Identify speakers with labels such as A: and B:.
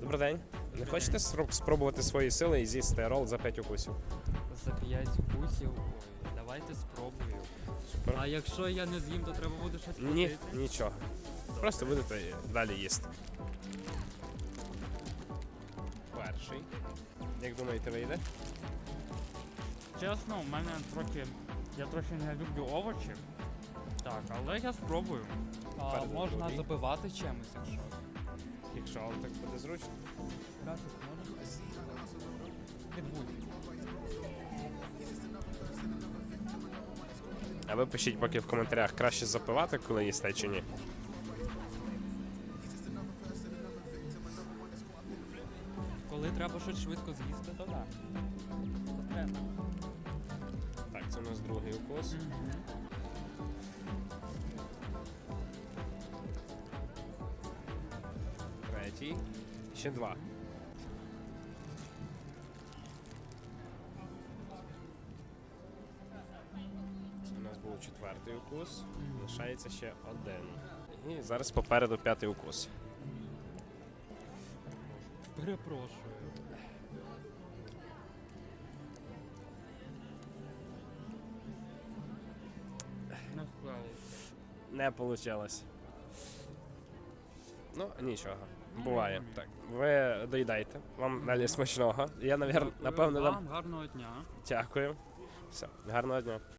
A: Добрий день. Не хочете спробувати свої сили і з'їсти рол за 5 укусів?
B: За 5 укусів. Ой, давайте спробую.
A: Супер.
B: А якщо я не з'їм, то треба буде щось
A: Ні,
B: платити?
A: нічого. Просто будете далі їсти. Перший. Як думаєте, вийде?
B: Чесно, у мене трохи... Я трохи не люблю овочі. Так, але я спробую. А
A: Перед
B: можна
A: другий.
B: запивати чимось, якщо.
A: Якщо вам так буде зручно.
B: Красик можна? Підбудь.
A: А ви пишіть поки в коментарях, краще запивати, коли їсте чи ні.
B: Коли треба щось швидко з'їсти, то так. То треба.
A: Так, це у нас другий укус. Третій. Ще два. Це у нас був четвертий укус. Лишається ще один. І зараз попереду п'ятий укус.
B: Перепрошую. Не справився.
A: Не вийшло. Ну, нічого. Буває. Так, ви доїдайте. Вам далі смачного. Я, напевно,
B: Дякую
A: дам.
B: вам, гарного дня.
A: Дякую. Все, гарного дня.